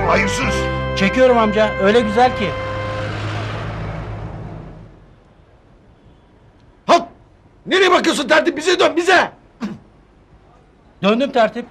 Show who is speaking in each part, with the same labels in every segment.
Speaker 1: çekiyorsun hayırsız?
Speaker 2: Çekiyorum amca, öyle güzel ki.
Speaker 3: Halt! Nereye bakıyorsun tertip? Bize dön, bize!
Speaker 2: Döndüm tertip.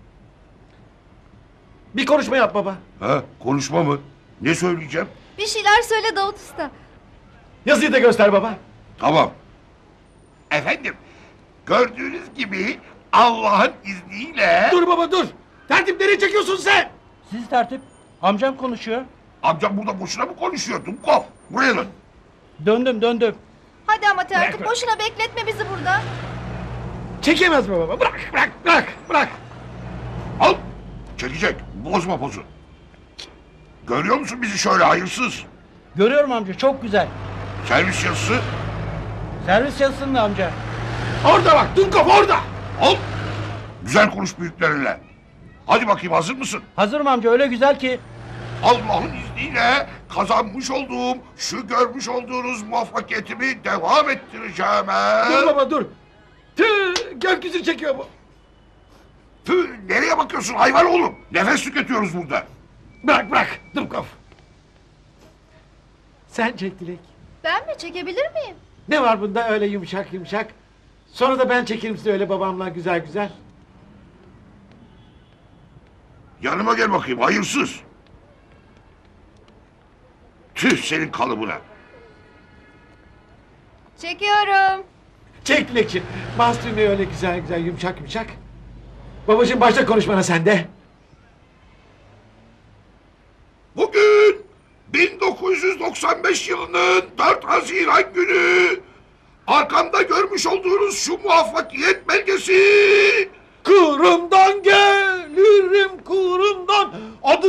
Speaker 3: Bir konuşma yap baba.
Speaker 1: Ha, konuşma mı? Ne söyleyeceğim?
Speaker 4: Bir şeyler söyle Davut Usta.
Speaker 3: Yazıyı da göster baba.
Speaker 1: Tamam. Efendim, gördüğünüz gibi Allah'ın izniyle...
Speaker 3: Dur baba dur! Tertip nereye çekiyorsun sen?
Speaker 2: Siz tertip. Amcam konuşuyor.
Speaker 1: Amcam burada boşuna mı konuşuyor Dumkov? Buraya dön.
Speaker 2: Döndüm.
Speaker 4: Hadi ama tertip boşuna bekletme bizi burada.
Speaker 3: Çekemez mi baba? Bırak!
Speaker 1: Al! Çekecek, bozma pozu. Görüyor musun bizi şöyle hayırsız?
Speaker 2: Görüyorum amca, çok güzel.
Speaker 1: Servis yazısı.
Speaker 2: Servis yazısında amca.
Speaker 3: Orada bak, Dunkov orada!
Speaker 1: Al! Güzel konuş büyüklerinle. Hadi bakayım, hazır mısın?
Speaker 2: Hazırım amca, öyle güzel ki.
Speaker 1: Allah'ın izniyle kazanmış olduğum, şu görmüş olduğunuz muvaffakiyetimi devam ettireceğim.
Speaker 3: Dur baba dur! Tüh! Gökyüzü çekiyor bu!
Speaker 1: Tüh, nereye bakıyorsun hayvan oğlum? Nefes tüketiyoruz burada.
Speaker 3: Bırak Dunkov! Sen çek Dilek.
Speaker 4: Ben mi çekebilir miyim?
Speaker 3: Ne var bunda öyle yumuşak? Sonra da ben çekerim size öyle babamla güzel.
Speaker 1: Yanıma gel bakayım hayırsız. Tüh senin kalıbına.
Speaker 4: Çekiyorum.
Speaker 3: Çek Dilekçim. Bas düğmeyi öyle güzel yumuşak. Babacığım başla konuşmana sen de.
Speaker 1: Bugün 1995 yılının 4 Haziran günü arkamda görmüş olduğunuz şu muvaffakiyet belgesi
Speaker 3: Kurumdan gelirim kurumdan adı...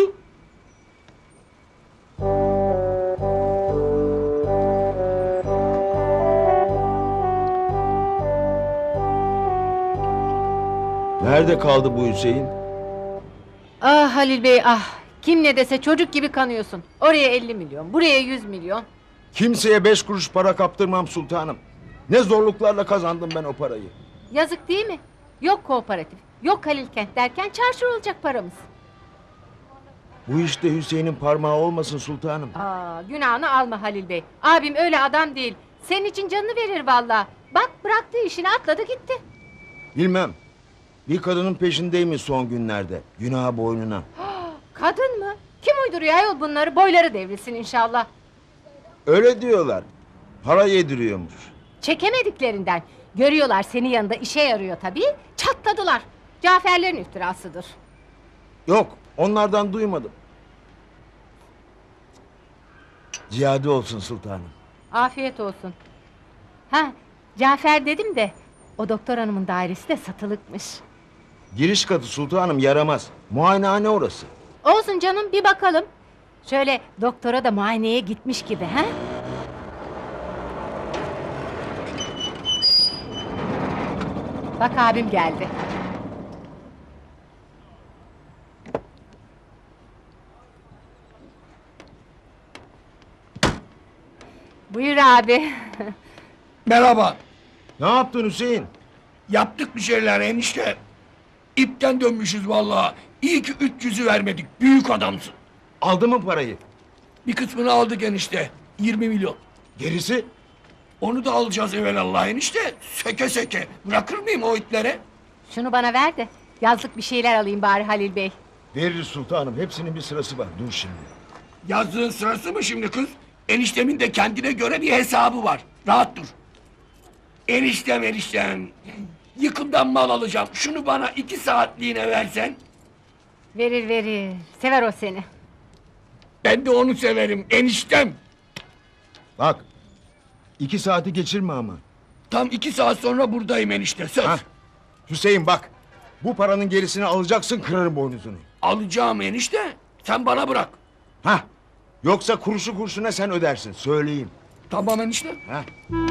Speaker 5: Nerede kaldı bu Hüseyin?
Speaker 6: Ah Halil Bey ah. Kim ne dese çocuk gibi kanıyorsun. Oraya 50 milyon, buraya 100 milyon.
Speaker 5: Kimseye 5 kuruş para kaptırmam sultanım. Ne zorluklarla kazandım ben o parayı.
Speaker 6: Yazık değil mi? Yok kooperatif, yok Halil Kent derken çarşır olacak paramız.
Speaker 5: Bu işte Hüseyin'in parmağı olmasın sultanım.
Speaker 6: Aa, günahını alma Halil Bey. Abim öyle adam değil. Senin için canını verir vallahi. Bak bıraktı işini atladı gitti.
Speaker 5: Bilmem. Bir kadının peşindeymiş son günlerde. Günah boynuna.
Speaker 6: Kadın mı? Kim uyduruyor ayol bunları? Boyları devrilsin inşallah.
Speaker 5: Öyle diyorlar. Para yediriyormuş.
Speaker 6: Çekemediklerinden. Görüyorlar senin yanında işe yarıyor tabii. Çatladılar. Caferlerin iftirasıdır.
Speaker 5: Yok, onlardan duymadım. Ziyade olsun sultanım.
Speaker 6: Afiyet olsun. Ha, Cafer dedim de o doktor hanımın dairesi de satılıkmış.
Speaker 5: Giriş katı sultanım yaramaz. Muayenehane orası.
Speaker 6: Olsun canım bir bakalım. Şöyle doktora da muayeneye gitmiş gibi ha? Bak abim geldi. Buyur abi.
Speaker 7: Merhaba.
Speaker 5: Ne yaptın Hüseyin?
Speaker 7: Yaptık bir şeyler enişte. İpten dönmüşüz vallahi. İyi ki 300'ü vermedik. Büyük adamsın.
Speaker 5: Aldı mı parayı?
Speaker 7: Bir kısmını aldık enişte. 20 milyon.
Speaker 5: Gerisi?
Speaker 7: Onu da alacağız evelallah enişte. Seke. Bırakır mıyım o itlere?
Speaker 6: Şunu bana ver de yazlık bir şeyler alayım bari Halil Bey.
Speaker 5: Veririz sultanım. Hepsinin bir sırası var. Dur şimdi.
Speaker 7: Yazdığın sırası mı şimdi kız? Eniştemin de kendine göre bir hesabı var. Rahat dur. Eniştem. Yıkımdan mal alacağım. Şunu bana 2 saatliğine versen.
Speaker 6: Verir. Sever o seni.
Speaker 7: Ben de onu severim eniştem.
Speaker 5: Bak. 2 saati geçirme ama.
Speaker 7: Tam 2 saat sonra buradayım enişte söz.
Speaker 5: Hah. Hüseyin bak. Bu paranın gerisini alacaksın, kırarım boynuzunu.
Speaker 7: Alacağım enişte. Sen bana bırak.
Speaker 5: Hah. Yoksa kuruşu kurşuna sen ödersin. Söyleyeyim.
Speaker 7: Tamam enişte.
Speaker 5: Hah.